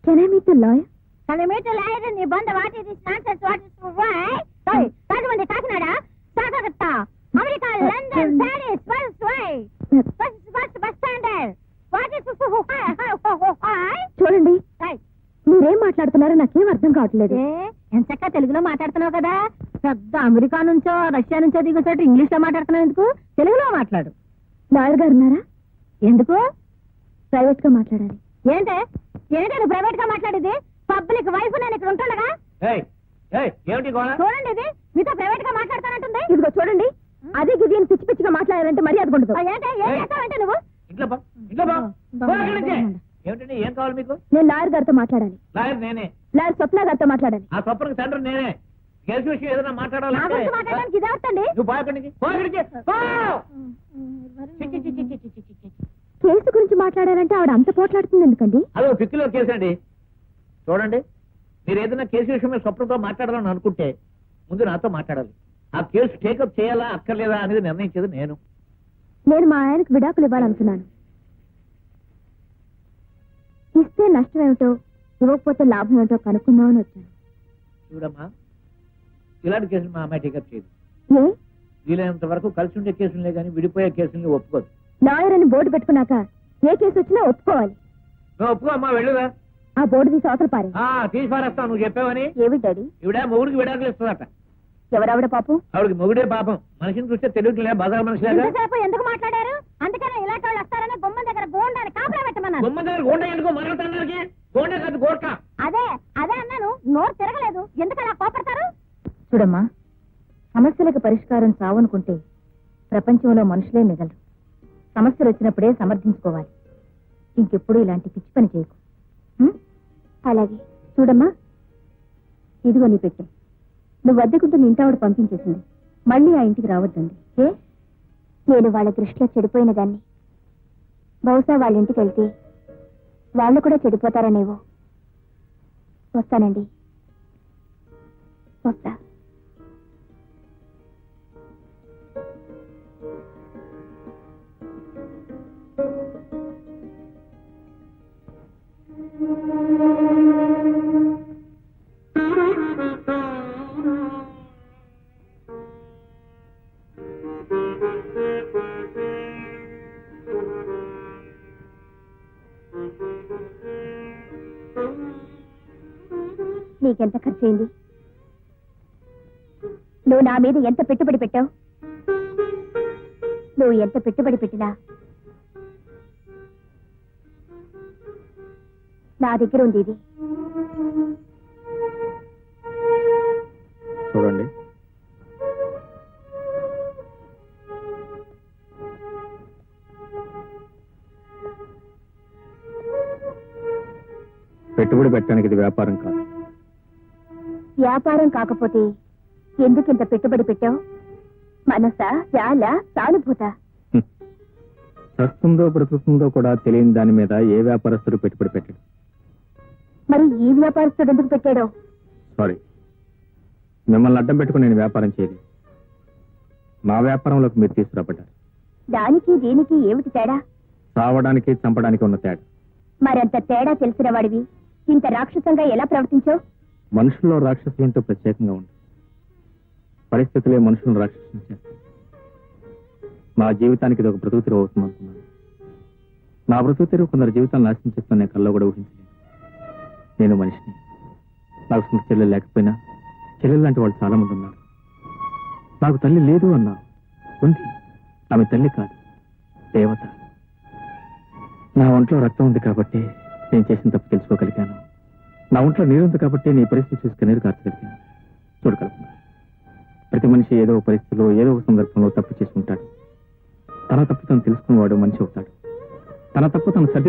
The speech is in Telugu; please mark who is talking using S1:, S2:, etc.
S1: Can I meet the lawyer?
S2: Can I meet the lawyer in Nibanda? What is this nonsense? What is why? Sorry, Rajamandi Kakinada, Sagagatta, America, London, Paris, what's why? What's bus standard? What is why?
S1: చూడండి మీరేం మాట్లాడుతున్నారో నాకేం అర్థం కావట్లేదు.
S2: ఎంచక్క తెలుగులో మాట్లాడుతున్నావు కదా, పెద్ద అమెరికా నుంచో రష్యా నుంచో దిగుతాడు ఇంగ్లీష్ లో మాట్లాడుతున్నావు ఎందుకు? తెలుగులో మాట్లాడు.
S1: లాయర్ గారు ఉన్నారా?
S2: ఎందుకు?
S1: ప్రైవేట్ గా మాట్లాడాలి.
S2: ఏంటే నువ్వు ప్రైవేట్ గా మాట్లాడేది? పబ్లిక్ వైఫ్ నేను ఇక్కడ ఉంటుండగా చూడండి, ఇది మీతో ప్రైవేట్ గా మాట్లాడతానంటుంది.
S1: ఇదిగో చూడండి, అదే గిది అని పిచ్చి పిచ్చిగా మాట్లాడాలంటే మర్యాద ఉండదు.
S2: ఏం చేస్తావంటే నువ్వు?
S3: ఏం కావాలి మీకు?
S1: నేను లాయర్ గారితో మాట్లాడాలి.
S3: లాయర్ నేనే.
S1: లాయర్ స్వప్న గారితో మాట్లాడాలి.
S3: ఆ స్వప్నకి తండ్రి నేనే. కేసు విషయం ఏదైనా మాట్లాడాలంటే
S2: మాట్లాడడానికి ఇది అవుతండి.
S3: నువ్వు బాయపడికి
S1: కేసు గురించి మాట్లాడాలంటే ఆవిడ అంత పోట్లాడుతుంది ఎందుకండి?
S3: అదో పిక్కిలో కేసు అండి. చూడండి, మీరు ఏదైనా కేసు విషయం మీద స్వప్నంతో మాట్లాడాలని అనుకుంటే ముందు నాతో మాట్లాడాలి. ఆ కేసు టేకప్ చేయాలా అక్కర్లేదా అనేది నిర్ణయించేది నేను.
S1: నేను మా ఆయనకు విడాకులు ఇవ్వాలనుకున్నాను. ఇస్తే నష్టం ఏమిటో, ఇవ్వకపోతే లాభం ఏమిటో కనుక్కుందామని వచ్చాను.
S3: చూడమ్మా, ఇలాంటి కేసులు మా అమ్మాయి టేకప్ చేయదు.
S1: ఏ?
S3: వీలైనంత వరకు కలిసి ఉండే కేసులే కానీ విడిపోయే కేసుల్ని ఒప్పుకోదు.
S1: లాయర్ అని బోర్డు పెట్టుకున్నాక ఏ కేసు వచ్చినా ఒప్పుకోవాలి.
S3: నువ్వు ఒప్పుకో అమ్మా, వెళ్ళురా.
S1: ఆ బోర్డు తీసి అవతల పారే.
S3: తీసి పారేస్తావు నువ్వు చెప్పావని.
S1: ఏమి డాడీ?
S3: ఇవిడ మొగుడికి విడాకులు ఇస్తుందట.
S1: ఎవరావిడ పాపం?
S3: ఆవిడకి మొగుడే పాపం. మనిషిని చూస్తే తెలియట్లే, బజార్ మనిషిలాగా.
S2: ఎందుకు మాట్లాడారు? అందుకనే ఇలాంటి వాళ్ళు వస్తారని గుమ్మం దగ్గర గోండాన్ని కాపలా పెట్టమన్నాను.
S3: గుమ్మం దగ్గర గోండ ఎందుకో మరొకటి గోండే కాదు గోట్క.
S2: అదే అన్నాను, నోరు తిరగలేదు. ఎందుకు అలా కోపడతారు?
S1: చూడమ్మా, సమస్యలకు పరిష్కారం చావనుకుంటే ప్రపంచంలో మనుషులే మిగలరు. సమస్యలు వచ్చినప్పుడే సమర్థించుకోవాలి. ఇంకెప్పుడు ఇలాంటి పిచ్చి పని చేయకు. అలాగే. చూడమ్మా, ఇదిగో నీ పెట్టే. నువ్వు అద్దెకుంటున్న ఇంటావిడ పంపించేసింది. మళ్ళీ ఆ ఇంటికి రావద్దండి. నేను వాళ్ళ దృష్టిలో చెడిపోయిన దాన్ని. బహుశా వాళ్ళ ఇంటికి వెళ్తే వాళ్ళు కూడా చెడిపోతారనేవో. వస్తానండి, వస్తా. నీకెంత ఖర్చు అయింది? నువ్వు నా మీద ఎంత పెట్టుబడి పెట్టావు? నువ్వు ఎంత పెట్టుబడి పెట్టినా నా దగ్గర ఉంది ఇది.
S4: చూడండి, పెట్టుబడి పెట్టడానికి ఇది వ్యాపారం కాదు.
S1: వ్యాపారం కాకపోతే ఎందుకింత పెట్టుబడి పెట్టావు? మనసా, చాలా, సానుభూత?
S4: చస్తుందో బ్రతుకుతుందో కూడా తెలియని దాని మీద ఏ వ్యాపారస్తుడు పెట్టుబడి పెట్టాడు?
S1: మరి ఈ వ్యాపారస్తుడు ఎందుకు పెట్టాడో?
S4: సారీ, మిమ్మల్ని అడ్డం పెట్టుకుని నేను వ్యాపారం చేయలేదు. నా వ్యాపారంలోకి మీరు తీసుకురాబడ్డారు.
S1: దానికి దీనికి ఏమిటి తేడా?
S4: సావడానికి చంపడానికి ఉన్న తేడా.
S1: మరంత తేడా తెలిసిన వాడివి ఇంత రాక్షసంగా ఎలా ప్రవర్తించావు?
S4: మనుషుల్లో రాక్షసులంటూ ప్రత్యేకంగా ఉంది. పరిస్థితులే మనుషులను రాక్షసులు చేస్తాయి. నా జీవితానికి ఇది ఒక బ్రతుకు తెరువు అవుతుంది అనుకున్నాను. నా బ్రతుకు తెరువు కొందరు జీవితాలు నాశనం చేస్తున్న నేను కల్లో కూడా ఊహించలేదు. నేను మనిషిని. నాకు సొంత చెల్లెలు లేకపోయినా చెల్లెలు లాంటి వాళ్ళు చాలా మంది ఉన్నారు. నాకు తల్లి లేదు అన్నా, ఉంది. ఆమె తల్లి కాదు, దేవత. నా ఒంట్లో రక్తం ఉంది కాబట్టి నేను చేసిన తప్పు తెలుసుకోగలిగాను. నా ఒంట్లో నీరుంది కాబట్టి నీ పరిస్థితి చూసి కన్నీరు కార్చగలిగాను. చూడగలుగుతున్నాను. ప్రతి మనిషి ఏదో పరిస్థితిలో ఏదో ఒక సందర్భంలో తప్పు చేసి ఉంటాడు. తన తప్పు తను తెలుసుకున్నవాడు మనిషి అవుతాడు. తన తప్పు తను సర్ది